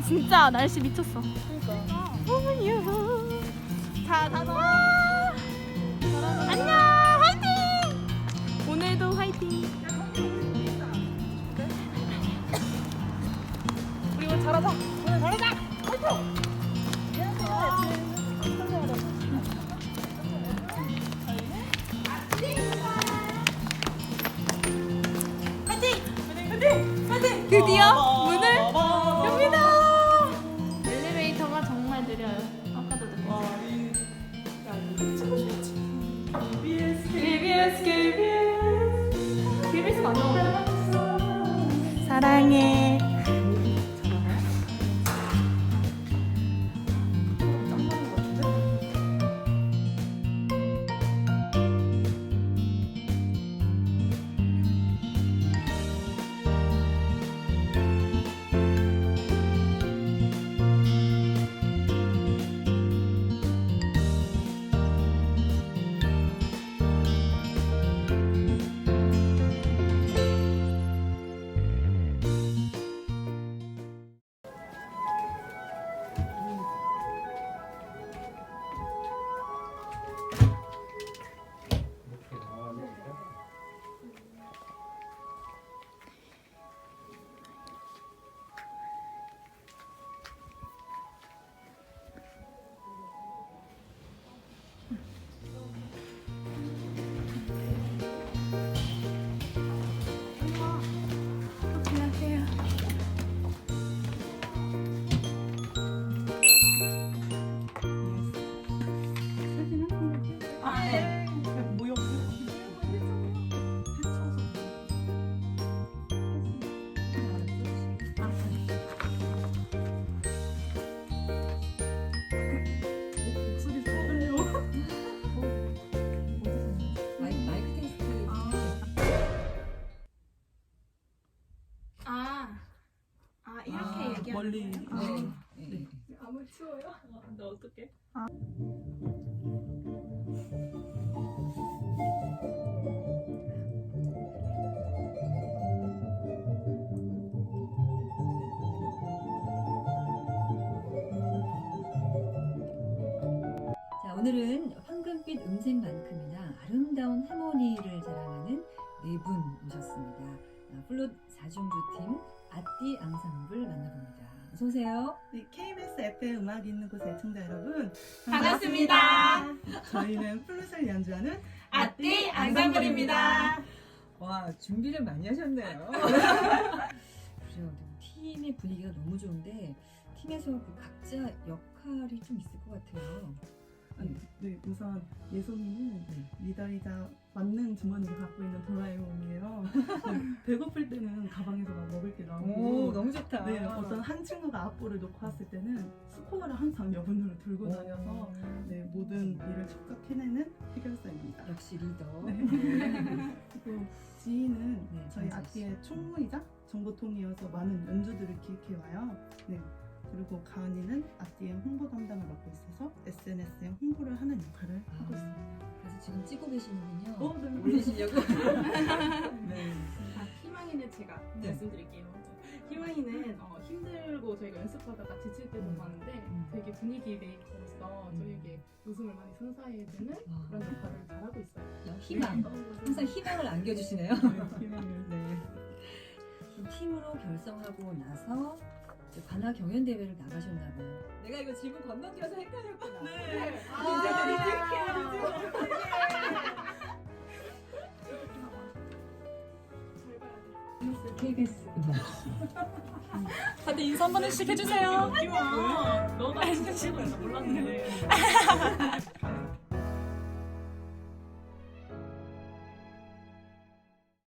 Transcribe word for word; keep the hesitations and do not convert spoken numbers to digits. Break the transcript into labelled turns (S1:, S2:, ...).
S1: 진짜 날씨 미쳤어.
S2: 그러니까.
S1: 오유. 자, 다들 안녕. 화이팅. 오늘도 화이팅.
S2: 우리 오늘 잘하자. 오늘 잘하자. 화이팅.
S1: 드디어 문을 엽니다. 엘리베이터가 정말 느려요. 아까도 느꼈어요. 케이비에스 케이비에스 케이비에스가 안 나오네. 사랑해. 안녕하세요.
S2: 아, 네. 모여. 목소리 떨려.
S3: 마이크 테스트.
S1: 아, 아 이렇게
S2: 아,
S1: 얘기하는
S2: 멀리.
S1: 거예요?
S2: 아.
S3: 네.
S1: 아무추워요? 나 어떡해?
S3: 자, 오늘은 황금빛 음색만큼이나 아름다운 하모니를 자랑하는 네 분 모셨습니다. 아, 플룻 사중주 팀 아띠 앙상블 만나봅니다. 어서 오세요.
S2: 네, 케이비에스 에프엠 음악 있는 곳의 애청자 여러분
S1: 반갑습니다.
S2: 저희는 플룻을 연주하는
S1: 아띠 앙상블입니다.
S3: 와, 준비를 많이 하셨네요. 그래요. 팀의 분위기가 너무 좋은데 팀에서 그 각자 역할이 좀 있을 것 같아요.
S2: 아니, 네, 우선 예솜이는
S3: 네.
S2: 리더이자 만능 주머니를 갖고 있는 도라에몽이에요. 네, 배고플 때는 가방에서 막 먹을 게 나오고
S3: 너무 좋다.
S2: 네, 어떤 한 친구가 앞볼을 놓고 왔을 때는 스코어를 항상 여분으로 들고 다녀서 네, 모든 일을 척척 해내는 해결사입니다.
S3: 역시 리더.
S2: 네. 그리고 지희는
S3: 네,
S2: 저희
S3: 정자 씨.
S2: 아티의 총무이자 정보통이어서 많은 연주들을 기획해와요. 네. 그리고 가은이는 아티의 홍보 담당을 맡고 있어서 에스엔에스에 홍보를 하는 역할을 하고
S3: 아,
S2: 있습니다.
S3: 그래서 지금 찍고 계시는군요.
S2: 어, 네.
S3: 올리시려고. 네.
S4: 아, 희망이는 제가
S3: 네.
S4: 말씀드릴게요. 희망이는 어, 힘들고 저희가 연습하다가 지칠 때도
S3: 음.
S4: 많은데
S3: 음.
S4: 되게 분위기 메이커로서
S3: 음.
S4: 저희에게 웃음을 많이 선사해주는
S3: 아.
S4: 그런 역할을 잘하고 있어요.
S3: 희망. 항상 희망을 안겨주시네요.
S2: 네, 희망을.
S3: 네. 그럼 팀으로 결성하고 나서 이제 관악 경연 대회를 나가셨나봐요. 내가 이거 질문 건너뛰어서 헷갈렸구나.
S2: 네.
S3: 케이비에스 음악.
S1: 다들 인사 한 번씩 해주세요.
S4: 희망, 너가 진짜 치고 있나 몰랐는데.